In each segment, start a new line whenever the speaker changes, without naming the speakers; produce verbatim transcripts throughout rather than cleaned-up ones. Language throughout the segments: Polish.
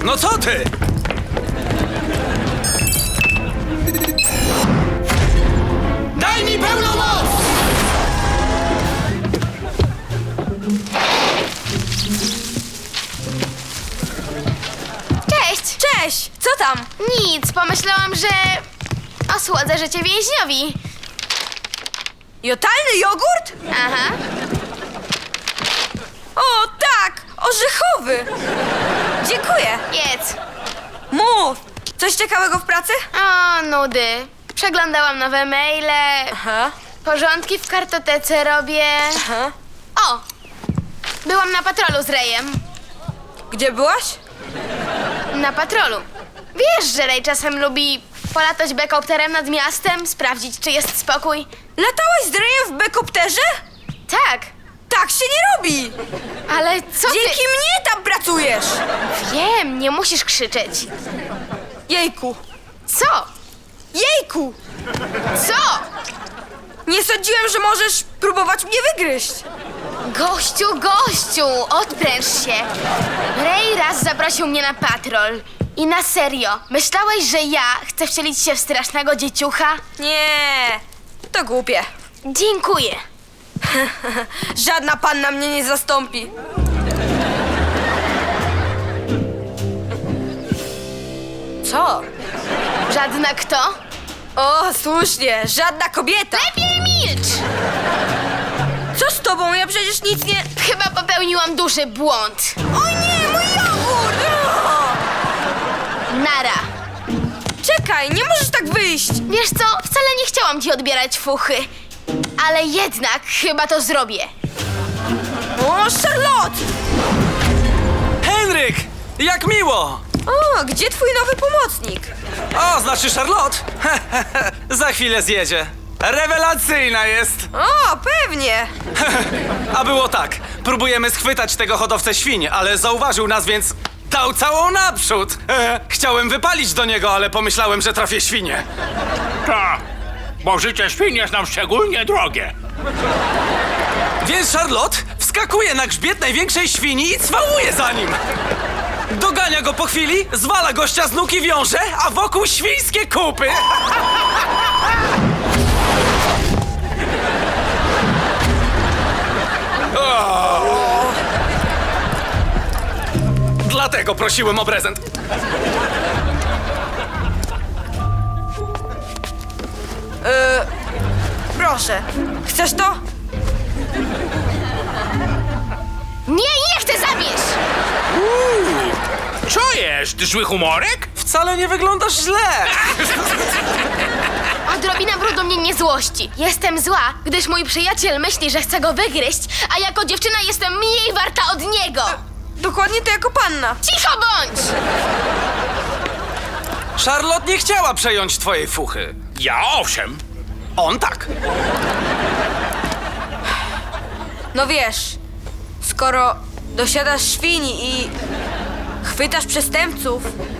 No co ty? Daj mi pełną moc!
Cześć!
Cześć! Co tam?
Nic, pomyślałam, że osłodzę życie więźniowi.
Jotalny jogurt?
Aha.
O, tak! Orzechowy! Dziękuję!
Jedz.
Mów! Coś ciekawego w pracy?
O, nudy. Przeglądałam nowe maile,
Aha,
porządki w kartotece robię.
aha.
O! Byłam na patrolu z Rejem.
Gdzie byłaś?
Na patrolu. Wiesz, że Rej czasem lubi polatać bekopterem nad miastem, sprawdzić, czy jest spokój?
Latałaś z Rejem w bekopterze?
Tak,
Tak się nie robi!
ale co
Dzięki
ty...
mnie tam pracujesz!
Wiem, nie musisz krzyczeć.
Jejku!
Co?
Jejku!
Co?
Nie sądziłem, że możesz próbować mnie wygryźć!
Gościu, gościu, odpręż się. Rej raz zaprosił mnie na patrol. I na serio, myślałeś, że ja chcę wcielić się w strasznego dzieciucha?
Nie, to głupie.
Dziękuję.
Żadna panna mnie nie zastąpi. Co?
Żadna kto?
O, słusznie, żadna kobieta.
Lepiej milcz!
Co z tobą? Ja przecież nic nie...
Chyba popełniłam duży błąd.
O nie, mój jogurt! O!
Nara.
Czekaj, nie możesz tak wyjść.
Wiesz co, wcale nie chciałam ci odbierać fuchy. Ale jednak chyba to zrobię.
O, Charlotte!
Henryk! Jak miło!
O, gdzie twój nowy pomocnik?
O, znaczy Charlotte? Za chwilę zjedzie. Rewelacyjna jest!
O, pewnie.
A było tak. Próbujemy schwytać tego hodowcę świń, ale zauważył nas, więc dał całą naprzód. Chciałem wypalić do niego, ale pomyślałem, że trafię świnię.
Tak, bo życie świn jest nam szczególnie drogie.
Więc Charlotte wskakuje na grzbiet największej świni i cwałuje za nim. Dogania go po chwili, zwala gościa z nóg i wiąże, a wokół świńskie kupy. O! Dlatego prosiłem o prezent.
Proszę, chcesz to?
Nie, nie chcę zabierz!
Co jest? Zły humorek?
Wcale nie wyglądasz źle.
Odrobina brudu mnie nie złości. Jestem zła, gdyż mój przyjaciel myśli, że chce go wygryźć, a jako dziewczyna jestem mniej warta od niego.
Dokładnie to jako panna.
Cicho bądź!
Charlotte nie chciała przejąć twojej fuchy.
Ja owszem.
On tak.
No wiesz, skoro dosiadasz świni i chwytasz przestępców,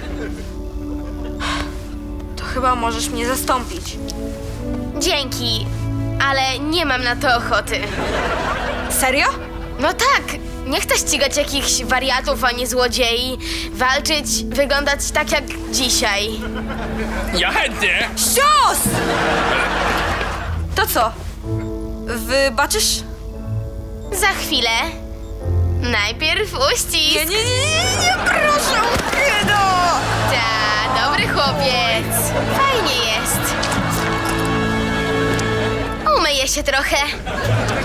to chyba możesz mnie zastąpić.
Dzięki, ale nie mam na to ochoty.
Serio?
No tak, nie chcę ścigać jakichś wariatów ani złodziei, walczyć, wyglądać tak jak dzisiaj.
Ja chętnie.
Cios! To co? Wybaczysz?
Za chwilę. Najpierw uścisk.
Nie, nie, nie, nie, nie, proszę, Kedo!
Ta, dobry chłopiec. Fajnie jest. Umyję się trochę.